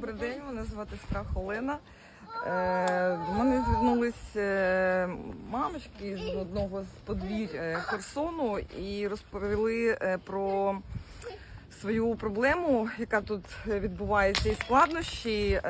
Добрий день, мене звати Страх Олена. До мене звернулись мамочки з одного з подвір'я Херсону і розповіли про свою проблему, яка тут відбувається, і складнощі.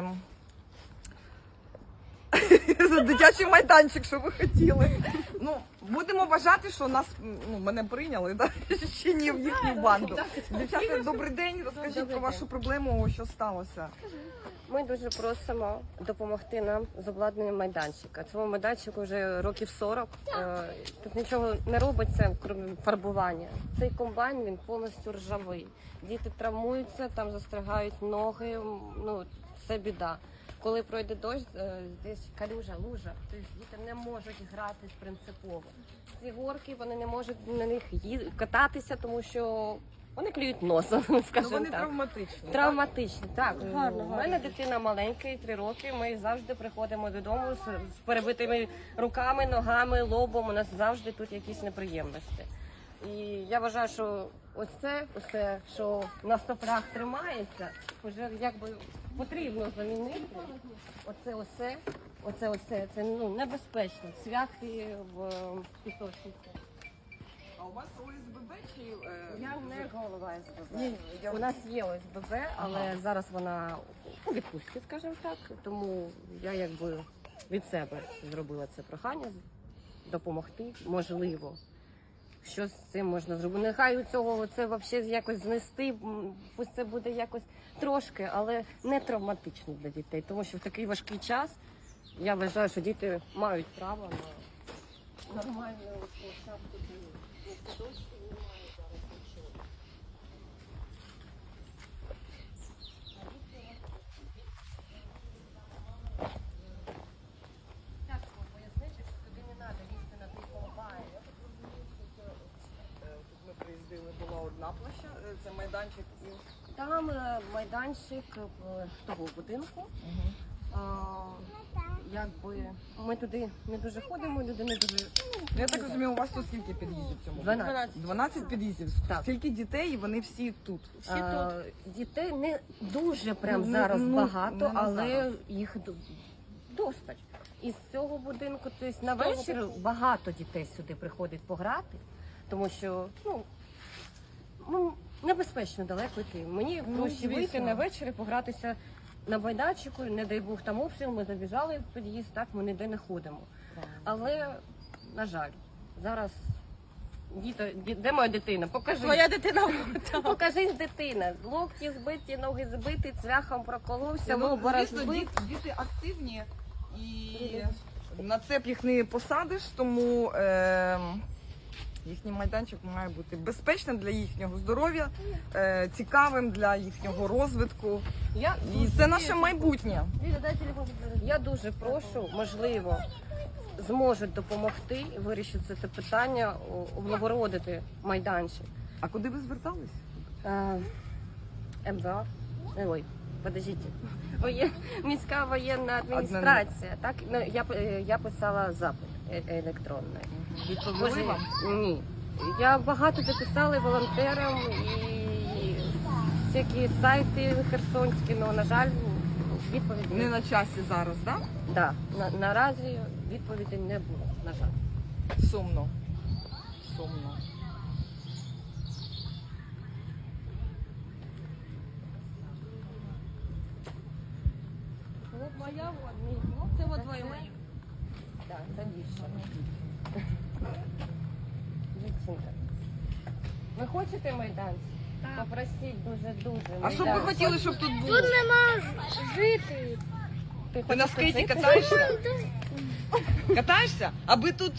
За дитячий майданчик, що ви хотіли. Ну, будемо вважати, що нас, мене прийняли, да? Ще не в їхню банду. Дівчата, добрий день, розкажіть про вашу проблему, що сталося. Ми дуже просимо допомогти нам з обладнанням майданчика. Цьому майданчику вже років 40. Тут нічого не робиться, крім фарбування. Цей комбайн, він повністю ржавий. Діти травмуються, там застрягають ноги, це біда. Коли пройде дощ, десь калюжа, лужа, тобто діти не можуть гратись принципово. Ці горки, вони не можуть на них кататися, тому що вони клюють носом, скажімо Вони так. травматичні. Травматичні, так. У мене дитина маленька, 3 роки, ми завжди приходимо додому з перебитими руками, ногами, лобом, у нас завжди тут якісь неприємності. І я вважаю, що усе, що на стопорах тримається, вже якби потрібно замінити. Оце, це небезпечно, цвяхи в пісочниці. А у вас ОСББ чи... Я не голова СББ. Ні, У нас є ОСББ, але зараз вона у відпустці, скажімо так, тому я якби від себе зробила це прохання, допомогти, можливо. Що з цим можна зробити? Нехай у цього це взагалі якось знести, пусть це буде якось трошки, але не травматично для дітей, тому що в такий важкий час я вважаю, що діти мають право на нормальну площадку. Ми приїздили, була одна площа, це майданчик і... Там майданчик того будинку. Якби ми туди не дуже ходимо, люди не дуже... Я так розумію, у вас тут скільки під'їздів в цьому? 12. 12 під'їздів. Так. Скільки дітей, і вони всі тут? Дітей не дуже прям Ну, зараз ну, багато, не на але зараз. їх достать. Із цього будинку, тобто на вечір багато дітей сюди приходить пограти, тому що небезпечно далеко йти. Мені проще вийти на вечір і погратися на майданчику, не дай Бог там обстріл, ми забіжали в під'їзд, так ми ніде не ходимо. Але, на жаль, зараз де моя дитина? Покажи. Моя дитина. Покажись, дитина. Локті збиті, ноги збиті, цвяхом проколовся, лоба розбит. Діти активні і на цеп їх не посадиш, тому їхній майданчик має бути безпечним для їхнього здоров'я, цікавим для їхнього розвитку. І це наше майбутнє. Я дуже прошу, можливо, зможуть допомогти вирішити це питання, облагородити майданчик. А куди ви звертались? МВА. Ой, подождіть. Міська воєнна адміністрація. Так, я писала запит електронний. Відповіли вам? Ні. Я багато дописала волонтерам і всякі сайти херсонські, але, на жаль, відповіді Не на часі зараз, так? Да. Наразі відповіді не було, на жаль. Сумно. Сумно. Вот моя, вот мій. Це вот двоє моїх. Так, це дівчина. Дівчинка. Ви хочете майданчик? Так. Попросіть дуже-дуже. А що б ви хотіли, щоб тут було? Тут нема жити. Ти на скейті катаєшся? Катаєшся? Аби тут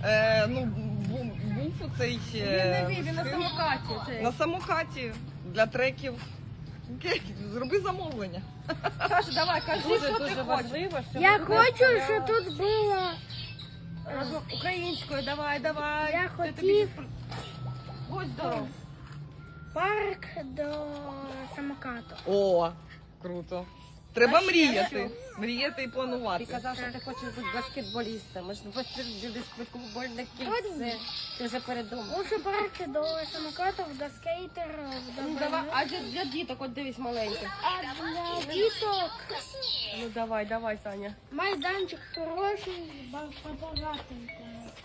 був оцей... Він на самокаті. На самокаті для треків. Окей, зроби замовлення. Саша, давай, кажи, Дуже що ти хочеш. важливо, щоб Я ви хочу, представляли. щоб тут було Українською, давай. Я хотів Будь здоров. парк до самокату. О, круто. Треба мріяти. Мріяти і планувати. Ти казав, що ти хочеш бути баскетболістом. Ми ж баскетбольне кільце. Ти вже передумав. Лучше парк до самокатів, до скейтерів, до Ну, давай, а для діток, от дивись, маленьких. А для діток. Ну давай, Саня. Майданчик хороший, побогатенький.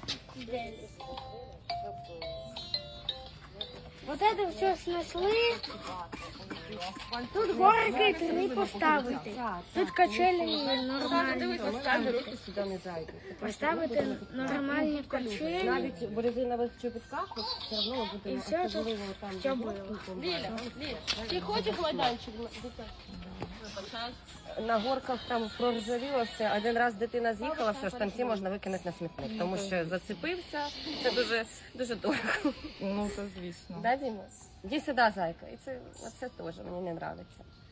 Вот это все снесли. Тут горки 3 поставити. Тут качелі нормальні поставити. Руки сюди не зайдуть. Поставити нормальні качелі. Навіть в резинових чобітках от все одно ми будемо І все тут особливо там все було. Ти хочеш майданчик? на горках там проржавіло все. Один раз дитина з'їхала, все штанці можна викинути на смітник, тому що зацепився. Це дуже дорого. Ну, це звісно. Да, Діма? Іди сюди, зайка. І це теж мені не подобається.